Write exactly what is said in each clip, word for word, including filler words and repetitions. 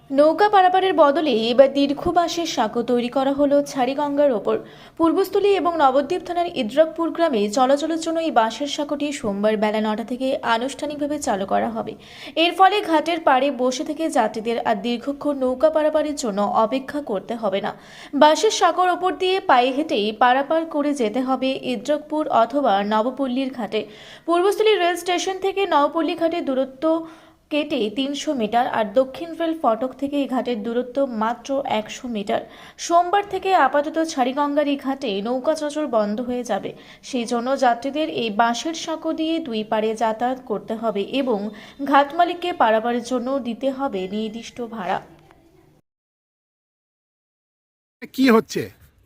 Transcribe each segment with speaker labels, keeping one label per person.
Speaker 1: নৌকা পারাপারের বদলে এবার দীর্ঘ বাঁশের সাঁকো তৈরি করা হলো ছাড়িগঙ্গার ওপর। পূর্বস্থলী এবং নবদ্বীপ থানার ইদ্রাকপুর গ্রামে চলাচলের জন্য এই বাঁশের সাঁকোটি সোমবার বেলা নটা থেকে আনুষ্ঠানিকভাবে চালু করা হবে। এর ফলে ঘাটের পাড়ে বসে থেকে যাত্রীদের আর দীর্ঘক্ষণ নৌকা পারাপারের জন্য অপেক্ষা করতে হবে না। বাঁশের সাঁকোর ওপর দিয়ে পায়ে হেঁটেই পারাপার করে যেতে হবে ইদ্রাকপুর অথবা নবপল্লীর ঘাটে। পূর্বস্থলী রেল স্টেশন থেকে নবপল্লী ঘাটের দূরত্ব কেটে তিনশো মিটার আর দক্ষিণ রেল ফটক থেকে এই ঘাটের দূরত্ব মাত্র একশো মিটার। সোমবার থেকে আপাতত ছাড়িগঙ্গার এই ঘাটে নৌকা চলাচল বন্ধ হয়ে যাবে। সেই জন্য যাত্রীদের এই বাঁশের সাঁকো দিয়ে দুই পাড়ে যাতায়াত করতে হবে এবং ঘাট মালিককে পারাপারের জন্য দিতে হবে নির্দিষ্ট ভাড়া।
Speaker 2: কি হচ্ছে?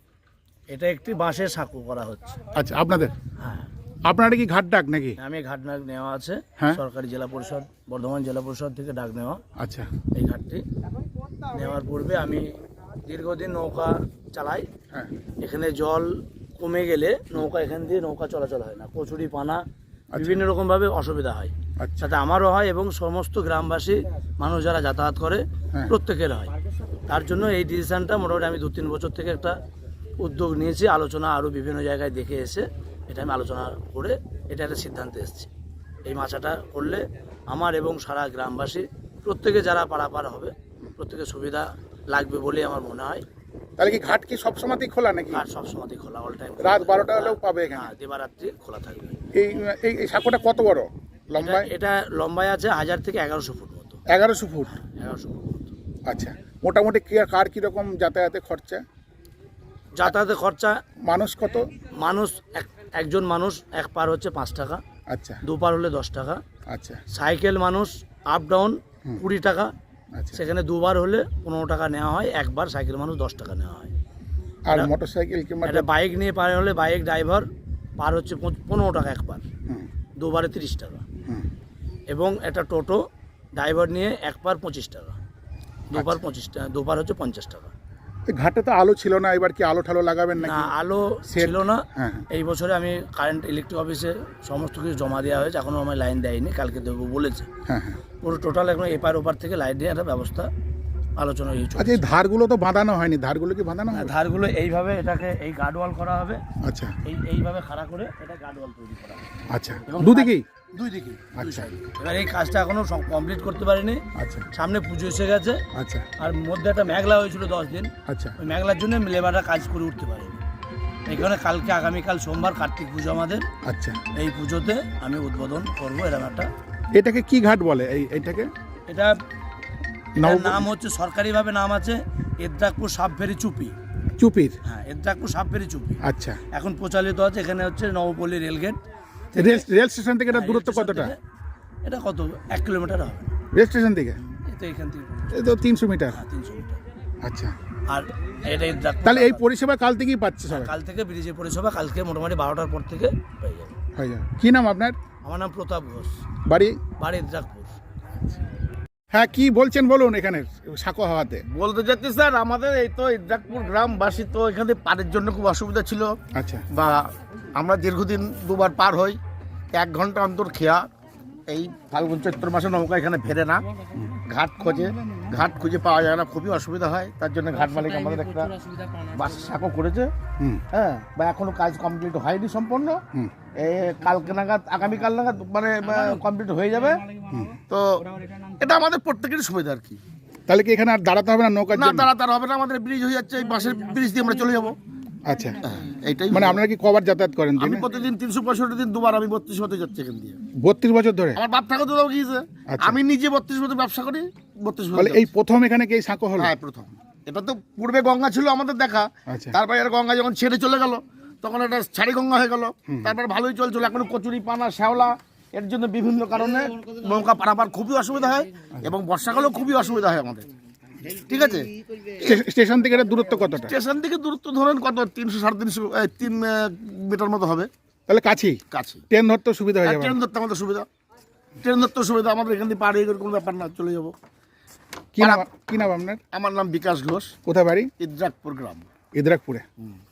Speaker 3: এটা একটি বাঁশের সাঁকো করা হচ্ছে।
Speaker 2: আচ্ছা, আপনাদের
Speaker 3: হ্যাঁ,
Speaker 2: আপনারা কি ঘাট ডাক নাকি?
Speaker 3: আমি ঘাট ডাক নেওয়া আছে,
Speaker 2: হ্যাঁ।
Speaker 3: সরকারি জেলা পরিষদ বর্ধমান জেলা পরিষদ থেকে ডাক নেওয়া।
Speaker 2: আচ্ছা,
Speaker 3: এই ঘাটটি নেওয়ার পূর্বে আমি দীর্ঘদিন নৌকা চালাই।
Speaker 2: হ্যাঁ,
Speaker 3: এখানে জল কমে গেলে নৌকা এখান দিয়ে নৌকা চলাচল হয় না, কচুরি পানা বিভিন্ন রকমভাবে অসুবিধা হয়।
Speaker 2: আচ্ছা,
Speaker 3: সাথে আমারও হয় এবং সমস্ত গ্রামবাসী মানুষ যারা যাতায়াত করে
Speaker 2: হ্যাঁ।
Speaker 3: প্রত্যেকের হয়। তার জন্য এই ডিসিশনটা মোটামুটি আমি দু তিন বছর থেকে একটা উদ্যোগ নিয়েছি, আলোচনা আরও বিভিন্ন জায়গায় দেখে এসে এটা আমি আলোচনা করে এটা একটা সিদ্ধান্তে এসেছি। এই মাছাটা করলে আমার এবং সারা গ্রামবাসী প্রত্যেকে যারা পারাপার হবে প্রত্যেকের সুবিধা লাগবে বলে আমার মনে হয়।
Speaker 2: তাহলে কি ঘাট কি সবসময়তেই খোলা নাকি?
Speaker 3: আর সবসময় খোলা, অল টাইম,
Speaker 2: রাত বারোটা হলেও পাবে এখানে?
Speaker 3: হ্যাঁ, দিবারাত্রি খোলা থাকবে।
Speaker 2: এই এই এই সাঁকোটা কত বড় লম্বায়?
Speaker 3: এটা- এটা লম্বায় আছে হাজার থেকে এগারোশো ফুট মতো।
Speaker 2: এগারোশো ফুট।
Speaker 3: এগারোশো ফুট মতো।
Speaker 2: আচ্ছা, মোটামুটি কি কার কিরকম যাতায়াতে খরচা?
Speaker 3: যাতায়াতের খরচা
Speaker 2: মানুষ কত?
Speaker 3: মানুষ এক একজন মানুষ এক পার হচ্ছে পাঁচ টাকা,
Speaker 2: আচ্ছা,
Speaker 3: দু পার হলে দশ টাকা।
Speaker 2: আচ্ছা,
Speaker 3: সাইকেল মানুষ আপ ডাউন কুড়ি টাকা,
Speaker 2: আচ্ছা।
Speaker 3: সেখানে দুবার হলে পনেরো টাকা নেওয়া হয়, একবার সাইকেল মানুষ দশ টাকা নেওয়া হয়।
Speaker 2: আর মোটর সাইকেল কিংবা
Speaker 3: একটা বাইক নিয়ে পার হলে বাইক ড্রাইভার পার হচ্ছে পঁচ- পনেরো টাকা একবার,
Speaker 2: হুম,
Speaker 3: দুবারে তিরিশ টাকা।
Speaker 2: হুম,
Speaker 3: এবং একটা টোটো ড্রাইভার নিয়ে এক পার পঁচিশ টাকা, দুবার
Speaker 2: আচ্ছা।
Speaker 3: পঁচিশ টাকা, দুবার হচ্ছে পঞ্চাশ টাকা।
Speaker 2: এই ঘাটে তো আলো ছিল না, এবার কি আলো ঠালো লাগাবেন
Speaker 3: না,
Speaker 2: নাকি?
Speaker 3: আলো
Speaker 2: সেট-
Speaker 3: ছিল না।
Speaker 2: হ্যাঁ,
Speaker 3: এই বছরে আমি কারেন্ট ইলেকট্রিক অফিসে সমস্ত কিছু জমা দেওয়া হয়েছে, এখনও আমার লাইন দেয়নি, কালকে দেবো বলেছে।
Speaker 2: হ্যাঁ, হ্যাঁ।
Speaker 3: পুরো টোটাল এখন এপার ওপার থেকে লাইট দিয়ে একটা ব্যবস্থা আলোচনা হয়ে
Speaker 2: আচ্ছা, এই ধারগুলো তো বাঁধানো হয়নি, ধারগুলো কি বাঁধানো হবে?
Speaker 3: ধারগুলো এইভাবে এটাকে এই গার্ডওয়াল করা হবে,
Speaker 2: আচ্ছা,
Speaker 3: এই এইভাবে খাড়া করে এটা গার্ডওয়াল তৈরি করা হবে
Speaker 2: আচ্ছা,
Speaker 3: এবং
Speaker 2: দুদিকেই?
Speaker 3: দুই দিকে, দুই
Speaker 2: আচ্ছা।
Speaker 3: সাইডে। এবার এই কাজটা এখনো কমপ্লিট করতে পারিনি,
Speaker 2: আচ্ছা,
Speaker 3: সামনে পুজো এসে গেছে,
Speaker 2: আচ্ছা,
Speaker 3: আর মধ্যে একটা মেঘলা হয়েছিল দশ দিন,
Speaker 2: আচ্ছা,
Speaker 3: ওই মেঘলার জন্য লেবাররা কাজ করে উঠতে পারেনি। এখানে কালকে আগামীকাল সোমবার কার্তিক পুজো আমাদের,
Speaker 2: আচ্ছা।
Speaker 3: এই পুজোতে আমি উদ্বোধন করবো এরকম একটা।
Speaker 2: এটাকে কি ঘাট বলে? এই এইটাকে
Speaker 3: এটা
Speaker 2: নব-
Speaker 3: এটার নাম হচ্ছে, সরকারিভাবে নাম আছে এদ্রাকপুর সাবফেরি চুপি।
Speaker 2: চুপির?
Speaker 3: হ্যাঁ, এদ্রাকপুর সাবফেরি চুপি
Speaker 2: আচ্ছা।
Speaker 3: এখন প্রচলিত আছে। এখানে হচ্ছে Nabapalli rail gate,
Speaker 2: rail rail station থেকে এটা দূরত্ব
Speaker 3: রেল স্টেশন
Speaker 2: কতটা?
Speaker 3: থেকে এটা কত, এক কিলোমিটার হবে
Speaker 2: রেল স্টেশন থেকে
Speaker 3: এই তো, এখান থেকে
Speaker 2: এই তো তিনশো মিটার।
Speaker 3: হ্যাঁ, তিনশো মিটার।
Speaker 2: আচ্ছা,
Speaker 3: আর এটা এদ্রাকপুর।
Speaker 2: তাহলে এই পরিষেবা কাল থেকেই পাচ্ছে সবাই?
Speaker 3: কাল থেকে ব্রিজের পরিষেবা কালকে মোটামুটি বারোটার পর থেকে হয়ে যাবে।
Speaker 2: হয়ে যাবে। কি নাম আপনার?
Speaker 3: আমার নাম প্রতাপ ঘোষ,
Speaker 2: বাড়ি?
Speaker 3: বাড়ি এদ্রাকপুর।
Speaker 2: হ্যাঁ, কি বলছেন বলুন এখানে সাঁকো হওয়াতে?
Speaker 4: বলতে চাচ্ছি স্যার, আমাদের এই তো ইদ্রাকপুর গ্রামবাসী তো এখানে পারের জন্য খুব অসুবিধা ছিল,
Speaker 2: আচ্ছা,
Speaker 4: বা আমরা দীর্ঘদিন দুবার পার হই, এক ঘন্টা অন্তর খেয়া। এই ফাল্গুন চৈত্র মাসে নৌকা এখানে ফেরে না, ঘাট খোঁজে, ঘাট খুঁজে পাওয়া যায় না, খুবই অসুবিধা হয়। তার জন্য ঘাট মালিক আমাদের একটা বাস সাঁকো করেছে,
Speaker 2: হুম,
Speaker 4: হ্যাঁ, বা এখনো কাজ কমপ্লিট হয়নি সম্পূর্ণ।
Speaker 2: হুম,
Speaker 4: এই কালকে নাগাদ, আগামীকাল নাগাদ মানে কমপ্লিট হয়ে যাবে। তো এটা আমাদের প্রত্যেকেরই সুবিধা আর কি।
Speaker 2: তাহলে কি এখানে আর দাঁড়াতে হবে না নৌকার
Speaker 4: না,
Speaker 2: জন্য?
Speaker 4: তারা তার হবে না, আমাদের ব্রিজ হয়ে যাচ্ছে, এই বাসের ব্রিজ দিয়ে আমরা চলে যাবো।
Speaker 2: আচ্ছা,
Speaker 4: এইটাই
Speaker 2: মানে আপনারা কি কবার যাতায়াত করেন
Speaker 4: আমি
Speaker 2: দিনে?
Speaker 4: প্রতিদিন তিনশো পঁয়ষট্টি দিন দুবার আমি বত্রিশ হতে যাচ্ছি এখান দিয়ে।
Speaker 2: বত্রিশ বছর ধরে?
Speaker 4: আমার বাপ ঠাকুর দাও গিয়েছে,
Speaker 2: আচ্ছা।
Speaker 4: আমি নিজে বত্রিশ বছর ব্যবসা করি, বত্রিশ
Speaker 2: তাহলে
Speaker 4: বছর।
Speaker 2: এই প্রথম এখানে কি এই সাঁকো হলো?
Speaker 4: হ্যাঁ, প্রথম। এটা তো পূর্বে গঙ্গা ছিল আমাদের দেখা,
Speaker 2: আচ্ছা,
Speaker 4: তারপরে আর গঙ্গা যখন ছেড়ে চলে গেল তখন এটা ছাড়ি গঙ্গা হয়ে গেল। তারপর ভালোই চলছিল, এখন কচুরি পানা শ্যাওলা, এর জন্য বিভিন্ন কারণে নৌকা পারাপার খুবই অসুবিধা হয়, এবং বর্ষাকালেও খুবই অসুবিধা হয় আমাদের। ঠিক আছে,
Speaker 2: স্টে- স্টেশন থেকে এটা দূরত্ব কতটা?
Speaker 4: স্টেশন থেকে দূরত্ব ধরেন কত, তিনশো সাড়ে তিনশো এই, তিন আহ, মিটার মতো হবে,
Speaker 2: তাহলে কাছেই,
Speaker 4: কাছে।
Speaker 2: ট্রেন ধরতে সুবিধা হয়ে যাবে?
Speaker 4: ট্রেন ধরতে আমাদের সুবিধা, ট্রেন ধরতে সুবিধা, আমাদের এখান থেকে পাড়ি কোনো ব্যাপার না, চলে যাবো।
Speaker 2: কি নাম কি নাম আপনার?
Speaker 4: আমার নাম বিকাশ ঘোষ,
Speaker 2: কোথায় বাড়ি?
Speaker 4: ইদ্রাকপুর গ্রাম।
Speaker 2: ইদ্রাকপুরে।